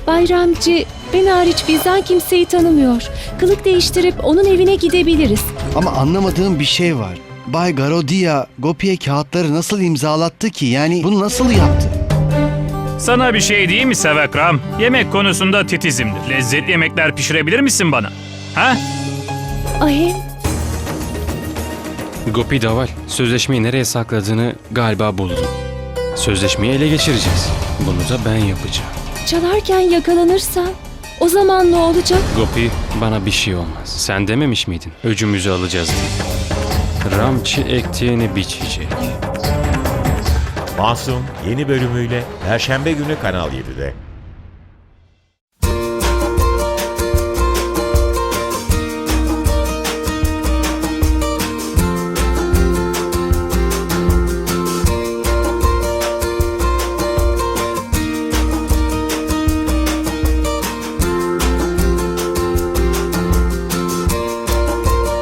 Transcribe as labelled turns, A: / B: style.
A: Bayramcı ben hariç bizden kimseyi tanımıyor. Kılık değiştirip onun evine gidebiliriz.
B: Ama anlamadığım bir şey var. Bay Garodia Gopi'ye kağıtları nasıl imzalattı ki? Yani bunu nasıl yaptı?
C: Sana bir şey diyeyim mi Sevekram? Yemek konusunda titizimdir. Lezzetli yemekler pişirebilir misin bana? Ha?
A: Ahim,
D: Gopi Daval, sözleşmeyi nereye sakladığını galiba buldum. Sözleşmeyi ele geçireceğiz. Bunu da ben yapacağım.
A: çalarken yakalanırsan o zaman ne olacak?
D: Gopi, bana bir şey olmaz. Sen dememiş miydin? Öcümüzü alacağız diye. Ramçı ektiğini biçecek.
E: Masum yeni bölümüyle Perşembe günü Kanal 7'de.